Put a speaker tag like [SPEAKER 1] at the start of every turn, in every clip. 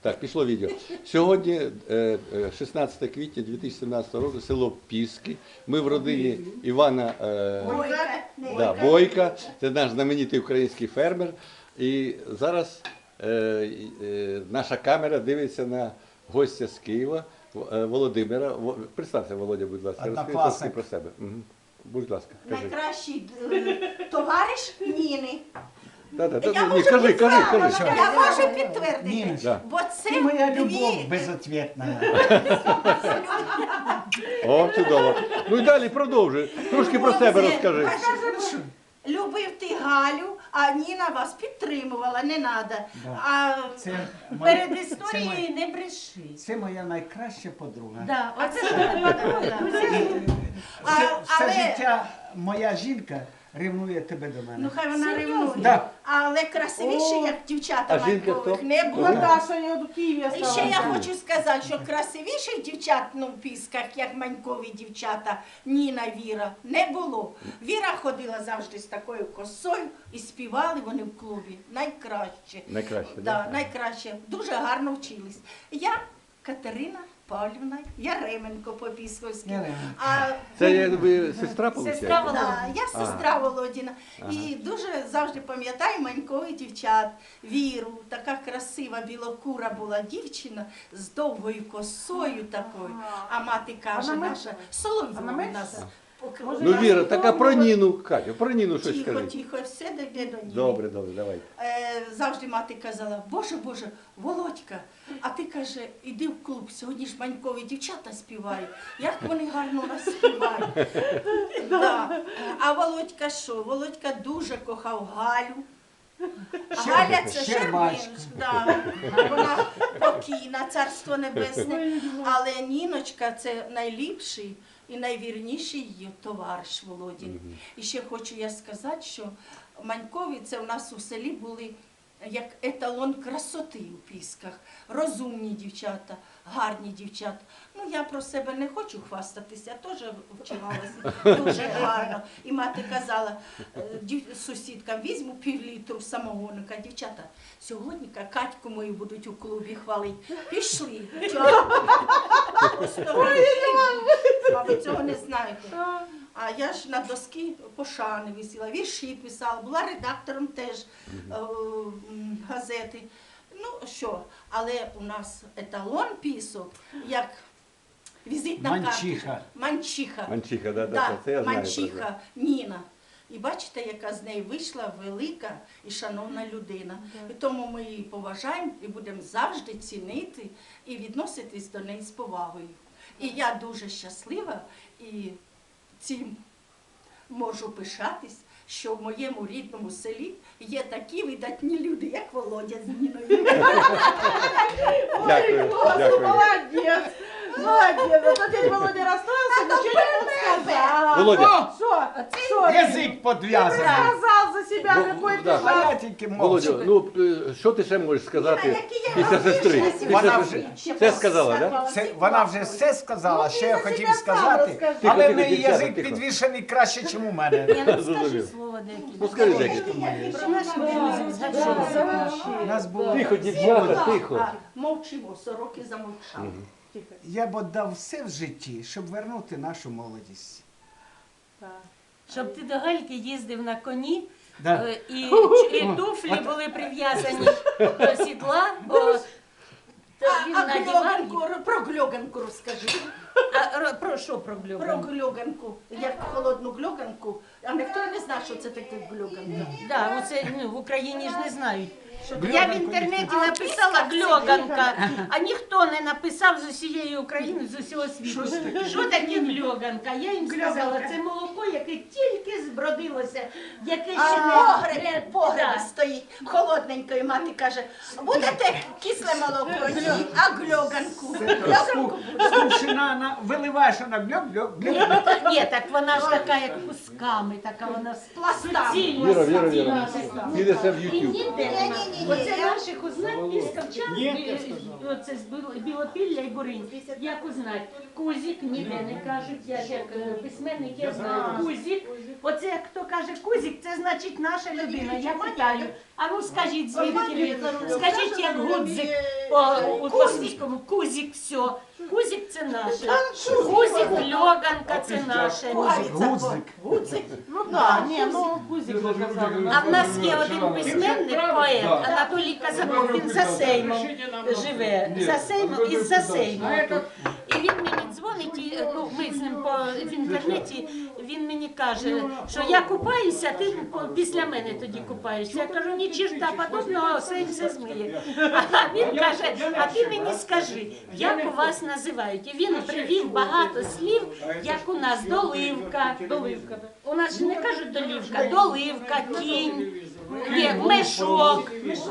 [SPEAKER 1] Так, пішло відео. Сьогодні 16 квітня 2017 року, село Піски. Ми в родині Івана Бойка. Це наш знаменитий український фермер. І зараз наша камера дивиться на гостя з Києва, Володимира. Представся, Володя, будь ласка, розкажи трошки про себе. Будь ласка, кажи.
[SPEAKER 2] Найкращий товариш Ніни.
[SPEAKER 1] Ні, кажи.
[SPEAKER 2] Я можу підтвердити, бо це
[SPEAKER 3] Ти моя любов
[SPEAKER 2] дві...
[SPEAKER 3] безответна.
[SPEAKER 1] О, чудово. Ну і далі продовжуй. Трошки про себе розкажи.
[SPEAKER 2] Любив ти Галю, а Ніна вас підтримувала, не треба. А
[SPEAKER 4] Перед історією не бреши.
[SPEAKER 3] Це моя найкраща подруга.
[SPEAKER 4] Да, оце подруга.
[SPEAKER 3] Все життя моя жінка ревнує тебе до мене.
[SPEAKER 2] Ну хай вона ревнує.
[SPEAKER 3] Да.
[SPEAKER 2] Але красивіше, як дівчата
[SPEAKER 1] А жінка
[SPEAKER 2] Манькових,
[SPEAKER 1] хто?
[SPEAKER 2] не було.
[SPEAKER 5] Наташа, я до Києва
[SPEAKER 2] І ще я хочу сказати, що красивіших дівчат в Пісках, як Манькові дівчата, Ніна, Віра, не було. Віра ходила завжди з такою косою і співали вони в клубі. Найкраще.
[SPEAKER 1] Найкраще,
[SPEAKER 2] да? Найкраще. Дуже гарно вчились. Я Катерина Павлівна Яременко по-пісковськи.
[SPEAKER 1] Це ви сестра, виходить?
[SPEAKER 4] Сестра Володя.
[SPEAKER 2] Да, я сестра Володіна. І дуже завжди пам'ятаю Манькових дівчат, Віру. Така красива білокура була дівчина з довгою косою такою. А мати каже наша, Соловйова нас.
[SPEAKER 1] Ну, Віра, так а про Ніну, Катю, про Ніну щось
[SPEAKER 2] Тихо,
[SPEAKER 1] скажи.
[SPEAKER 2] тихо, все йде до Ніни.
[SPEAKER 1] Добре, давай.
[SPEAKER 2] Завжди мати казала, Боже, Володька, а ти, каже, іди в клуб, сьогодні ж Манькові дівчата співають, як вони гарно нас співають. Да. А Володька що? Володька дуже кохав Галю. Галя це Щербинська, да. Вона покійна, царство небесне, але Ніночка це найліпший і найвірніший її товариш Володін. І ще хочу я сказати, що Манькові це у нас у селі були як еталон красоти у Пісках. Розумні дівчата, гарні дівчата. Ну, я про себе не хочу хвастатися, я теж вчилася дуже гарно. І мати казала сусідкам, візьму півлітру самогонника. Дівчата, сьогодні Катьку мою будуть у клубі хвалити. Пішли. А ви цього не знаєте. А я ж на доски пошани висіла, вірші писала, була редактором теж газети. Ну що, але у нас еталон Пісок, як візитна карточка. Манчиха.
[SPEAKER 1] Манчиха, да, це я знаю.
[SPEAKER 2] Манчиха, Ніна. І бачите, яка з неї вийшла велика і шановна людина. І тому ми її поважаємо і будемо завжди цінити і відноситись до неї з повагою. І я дуже щаслива і цим можу пишатись, що в моєму рідному селі є такі видатні люди, як Володя з Ніною.
[SPEAKER 1] Дякую.
[SPEAKER 5] Молодец! Молодец! А дядя Володя расстроился, ничего не сказал.
[SPEAKER 1] Володя.
[SPEAKER 5] Что?
[SPEAKER 3] Язик подв'язаний.
[SPEAKER 5] Сказал за себя, какой ты
[SPEAKER 1] да.
[SPEAKER 3] А я тільки
[SPEAKER 1] Володя,
[SPEAKER 3] мовчу.
[SPEAKER 1] ну що ти ще можеш сказати
[SPEAKER 2] Які я
[SPEAKER 1] після сестри?
[SPEAKER 2] розумію,
[SPEAKER 3] Вона
[SPEAKER 1] Все сказала, так?
[SPEAKER 3] Вона вже все сказала, що я хотів
[SPEAKER 5] себе сам
[SPEAKER 3] сказати,
[SPEAKER 5] розкажи.
[SPEAKER 3] але
[SPEAKER 1] Тихо,
[SPEAKER 3] в неї
[SPEAKER 1] дівчата,
[SPEAKER 3] язик
[SPEAKER 1] тихо.
[SPEAKER 3] підвішений краще, ніж у мене.
[SPEAKER 4] Я не скажу
[SPEAKER 1] Зрозумів.
[SPEAKER 4] слово деякі.
[SPEAKER 1] Ну скажи декілька.
[SPEAKER 4] Про наших друзів, згадали.
[SPEAKER 3] У нас було...
[SPEAKER 1] Тихо, дівчата, тихо.
[SPEAKER 2] Мовчимо, сороки замовчали.
[SPEAKER 3] Я б віддав все в житті, щоб вернути нашу молодість.
[SPEAKER 4] Щоб ти до Гальки їздив на коні,
[SPEAKER 3] Да.
[SPEAKER 4] і туфлі були прив'язані до сідла, бо він
[SPEAKER 2] А
[SPEAKER 4] надівав.
[SPEAKER 2] про гльоганку розкажи.
[SPEAKER 4] Про що про
[SPEAKER 2] Про
[SPEAKER 4] глюбан?
[SPEAKER 2] гльоганку, як холодну гльоганку. А ніхто не знає, що це таке гльоганка.
[SPEAKER 4] Да, оце, в Україні ж не знають. Я в
[SPEAKER 3] Гльоганку
[SPEAKER 4] інтернеті
[SPEAKER 2] ніхто-
[SPEAKER 4] написала
[SPEAKER 2] А в Пісках
[SPEAKER 4] гльоганка, а ніхто не написав з усієї України, з усього світу. Що таке гльоганка? Я їм сказала, це молоко, яке тільки збродилося, яке ще не...
[SPEAKER 2] Погреб стоїть, холодненько, і мати каже, будете кисле молоко, ні, а гльоганку. Гльоганку
[SPEAKER 3] Скрушена, виливаєш вона гльоп.
[SPEAKER 4] Ні, так вона ж така, як кусками, така вона
[SPEAKER 2] пластами.
[SPEAKER 1] Віра. Підеться в
[SPEAKER 4] І
[SPEAKER 1] YouTube.
[SPEAKER 4] ніде нема. Оце наших узнать піскавчан, оце з Білопілля і Буринь. Як узнать? Кузик ніде не кажуть, я ж як письменник, я знаю. Кузик. Оце як хто каже кузик, це значить наша людина. Я питаю, А ну скажіть, звідки він? Скажіть, як гудзик по космічному. Кузик, все. Кузик це наше. Кузик, льоганка це наше.
[SPEAKER 3] Гудзик.
[SPEAKER 5] Ну так, ні, ну Кузик ви казали.
[SPEAKER 4] А в нас є один письменник, поет Анатолій Казаков, він за Сеймом живе, за Сеймом і за Сеймом. І він мені дзвонить, і, ну, ми з ним в інтернеті, він мені каже, що я купаюся, ти після мене тоді купаєшся. Я кажу, ні черта подобного, Сейм все змиє. А він каже, а ти мені скажи, як у вас називають? І він привів багато слів, як у нас доливка.
[SPEAKER 5] Доливка.
[SPEAKER 4] У нас же не кажуть долівка, доливка, кінь, є мешок,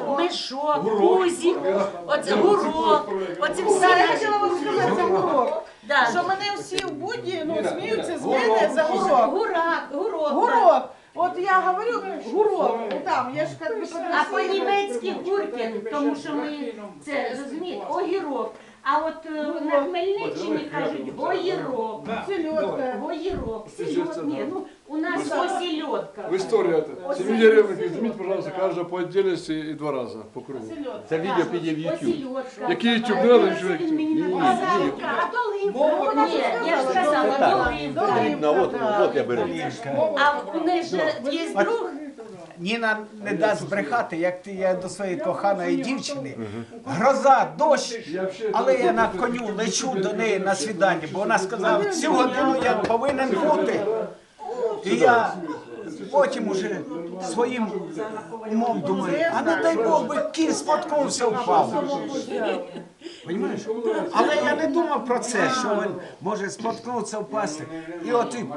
[SPEAKER 4] гузик, оце гурок, оце всі
[SPEAKER 5] Я
[SPEAKER 4] наші.
[SPEAKER 5] хотіла вам сказати за гурок.
[SPEAKER 4] Да.
[SPEAKER 5] Що мене всі в буді, ну, сміються з мене за гурок.
[SPEAKER 4] Гурок.
[SPEAKER 5] Гурок. От я говорю, гурок. Ну, там, я ж как би
[SPEAKER 4] А по-німецьки гуркен, тому що ми це розумієте, огірок. А от на Хмельниччині кажуть гоїрок.
[SPEAKER 5] Сельодка.
[SPEAKER 4] Гоїрок. Сельодка. Ні, ну у нас осельодка.
[SPEAKER 6] В истории это. Семья Ревных, измените, пожалуйста, каждого по отдельности и 2 раза по кругу.
[SPEAKER 1] Це відео піде в YouTube.
[SPEAKER 4] Осельодка.
[SPEAKER 6] Який YouTube не надо,
[SPEAKER 4] Це він мені
[SPEAKER 1] Ні,
[SPEAKER 4] написав.
[SPEAKER 1] ні,
[SPEAKER 4] А доливка? Ні, я ж сказала, доливка.
[SPEAKER 1] Потрібно, от я беру.
[SPEAKER 4] А у неї ж є друг.
[SPEAKER 3] Ніна не дасть збрехати, як ти я до своєї коханої дівчини. Гроза, дощ, але я на коню лечу до неї на свідання, бо вона сказала, цю годину я повинен бути. І я потім уже своїм умом думаю, а не дай Бог би кінь споткнувся, впав. Понімаєш? Але я не думав про це, що він може споткнутися, впасти. І от і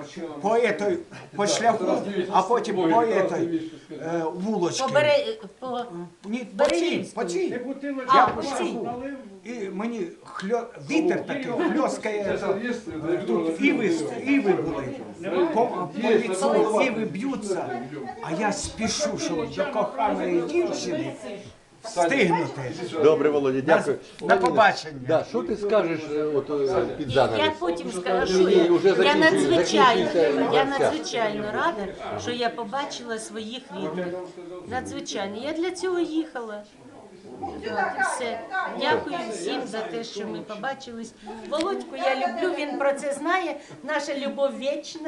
[SPEAKER 3] по шляху, а потім по вулочці. Ні, по цій.
[SPEAKER 4] А, по цій.
[SPEAKER 3] І мені вітер такий хльоскає. Тут іви були. По лицу іви б'ються. А я спішу, щоб до коханої дівчини встигнути.
[SPEAKER 1] Добре, Володя, дякую.
[SPEAKER 3] На побачення.
[SPEAKER 1] Да, що ти скажеш під занавес?
[SPEAKER 4] Я потім скажу,
[SPEAKER 1] Ні, вже
[SPEAKER 4] я
[SPEAKER 1] закінчується
[SPEAKER 4] надзвичайно рада, що я побачила своїх рідних. Надзвичайно. Я для цього їхала. От і все. Дякую всім за те, що ми побачились. Володьку я люблю, він про це знає. Наша любов вічна.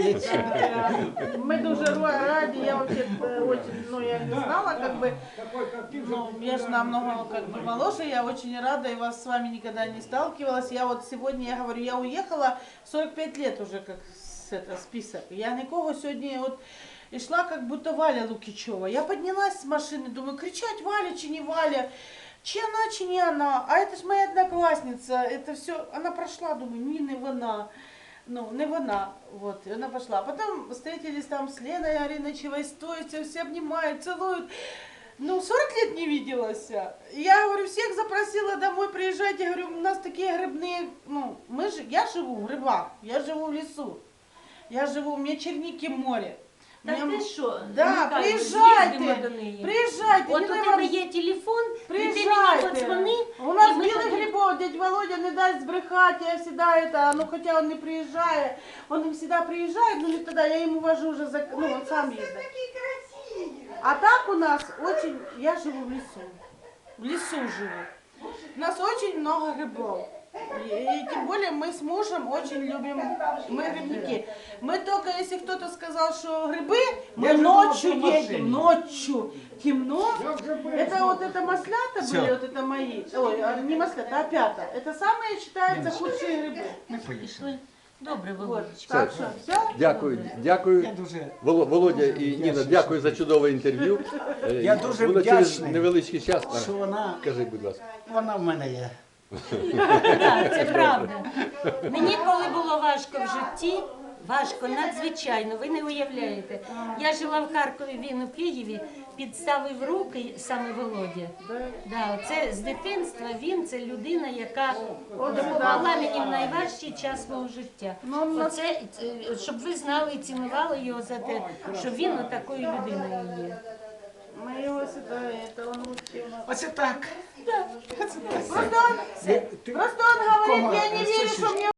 [SPEAKER 5] Мы дуже ради, я вообще очень, ну я не знала, как бы, ну я же намного как бы моложе, я очень рада и вас с вами никогда не сталкивалась. Я вот сегодня, я говорю, я уехала 45 лет уже как список. Я никого сегодня вот и шла как будто Валя Лукичева. Я поднялась с машины, думаю, кричать Валя, чи не Валя, чи она, чи не она. А это ж моя одноклассница, это все, она прошла, думаю, не вона. Ну, не вона, вот, и она пошла. А потом встретились там с Леной Ариночевой, стоят, все обнимают, целуют. Ну, 40 лет не виделась. Я, говорю, всех запросила домой, приезжайте, говорю, у нас такие грибные, ну, я живу в грибах, я живу в лесу, у меня черники море.
[SPEAKER 4] Так ти що?
[SPEAKER 5] Да,
[SPEAKER 4] Михайло,
[SPEAKER 5] приїжджайте,
[SPEAKER 4] з'їздимо до неї.
[SPEAKER 5] приезжайте.
[SPEAKER 4] От у
[SPEAKER 5] не
[SPEAKER 4] тебе є телефон, і ти мені
[SPEAKER 5] Приезжайте.
[SPEAKER 4] подзвони.
[SPEAKER 5] У нас
[SPEAKER 4] і ми
[SPEAKER 5] білих
[SPEAKER 4] тоді-
[SPEAKER 5] грибов, дядь Володя не даст збрехати, я всегда это, ну хотя он не приезжает, он не всегда приезжает, но не тогда, я ему вожу уже, ну он сам ездит. А так у нас очень, я живу в лесу живу. У нас очень много грибов. И тем более мы с мужем очень любим, мы грибники. Мы только, если кто-то сказал, что грибы, мы ночью едем, ночью, темно. Это вот это маслята были, вот это мои, ой, не маслята, а пята. Это самые, считаются, худшие грибы.
[SPEAKER 4] Пішли. Добре,
[SPEAKER 5] Вот,
[SPEAKER 4] Володечка.
[SPEAKER 5] так что, все?
[SPEAKER 1] Дякую, дякую.
[SPEAKER 3] Я дуже
[SPEAKER 1] Володя і Ніна, дякую за чудове інтерв'ю.
[SPEAKER 3] Я дуже
[SPEAKER 1] Воно через
[SPEAKER 3] вдячний,
[SPEAKER 1] невеличкий час.
[SPEAKER 3] що
[SPEAKER 1] Кажи, будь ласка.
[SPEAKER 3] вона в мене є.
[SPEAKER 4] Так, це правда. Мені коли було важко в житті, важко, надзвичайно, ви не уявляєте. Я жила в Харкові, він у Києві, підставив руки саме Володя. Да, це з дитинства він, це людина, яка допомогла мені в найважчий час мого життя. Оце, щоб ви знали і цінували його за те, що він отакою людиною є.
[SPEAKER 5] Мы его сюда, это он вообще у нас.
[SPEAKER 3] Оце так.
[SPEAKER 5] Просто он говорит, я не верю, что мне